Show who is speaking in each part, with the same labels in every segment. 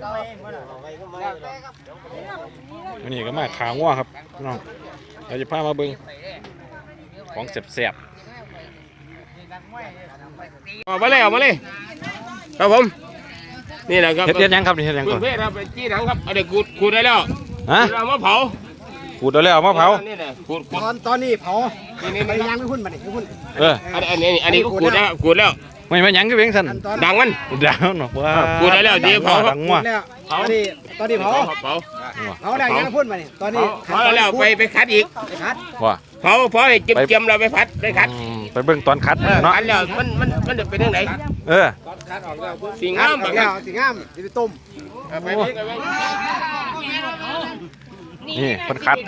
Speaker 1: วันนี้ก็มาขางัวครับน้องเราจะพามาเบิ้งของแสบ
Speaker 2: ออกมาเลยครับผมนี่แหละครับ
Speaker 1: เฮ็ดยังครับนี่เฮ็ดยังก่อน
Speaker 2: เพศครับจี้หนังครับเอาเด็กขูดได้แล้ว
Speaker 1: ฮะ
Speaker 2: เอามาเผา
Speaker 1: ขูดเอาแล้วมาเผา
Speaker 2: นี่แหละขูด
Speaker 3: ตอนนี้เผาไปย่างไม่หุ่นมาดิไม่หุ่น
Speaker 2: อันนี้ก็ขูดแล้ว
Speaker 1: ไม่มาหยังก็เพียงสั่น
Speaker 2: ดังมัน
Speaker 1: ดาวเนาะว่า
Speaker 2: ขูดได้แล้วเดี๋ยวเผาครับ
Speaker 1: ดังงัว
Speaker 3: แล้วตอนนี้เผาได้ย่างไม่หุ่นมาดิตอนนี้
Speaker 2: เผาแล้วไปคัดอีก
Speaker 3: ไปคัด
Speaker 1: ว่า
Speaker 2: เผาให้เจียมเราไปพัดไปคัด
Speaker 1: ไปเบิ่งตอนคัดเนาะ
Speaker 2: คัดแล้วมันจะเป็นยังไง
Speaker 1: เออ
Speaker 2: สีงามแบบ
Speaker 3: แล้วสิงามสิไปต้ม
Speaker 2: ไป
Speaker 1: นี่เพิ่นคัด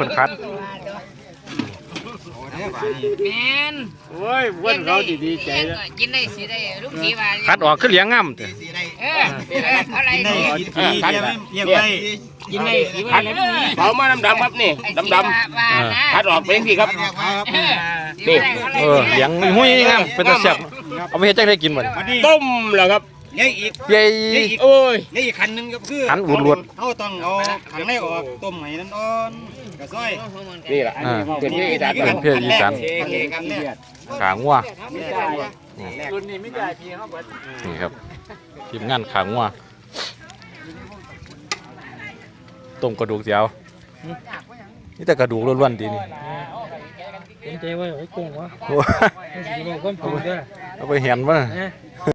Speaker 4: แมน
Speaker 2: โอ้ยเพื่อนเขาดีใจแล้ว
Speaker 4: กินได้สิได้ลูกสีว่า
Speaker 1: คัดออกคือเหลียงงามเด้อ
Speaker 4: อะไรดี
Speaker 2: คัดเยี่ยมเลยกินได้สีคัดเผามาดำครับนี่ดำคัดออกเป็นที่ครับนี่
Speaker 1: เหลียงหุ้ยงามเป็นตาแซ่บเอาไปเฮ็ดจังได๋กินบ่นี่
Speaker 2: ต้มเหรอครับ
Speaker 3: ยังอีก
Speaker 1: ใหญ่
Speaker 2: โอ้ย
Speaker 3: ยังอีกขันนึงก็คือ
Speaker 1: หันอุดรวด
Speaker 3: เขาต้องเอาขังในออกต้มให้นั่นอ่อนกระซ้อย
Speaker 2: นี่แหละเป็นที่อีสาน
Speaker 1: เป็นเพศอีสาน
Speaker 3: กันแรก
Speaker 1: ขางัว
Speaker 3: รุ่นนี้ไม่ได้พี่เขาเปิด
Speaker 1: นี่ครับทีมงานขางัวต้มกระดูกเสียวนี่แต่กระดูกล้วนๆดีนี่
Speaker 5: ผมใจว่าไอ้โกงวะ
Speaker 1: โอ้
Speaker 5: ไม่ใช่ว่าคนผมด้วย
Speaker 1: เอาไปเห็นว่า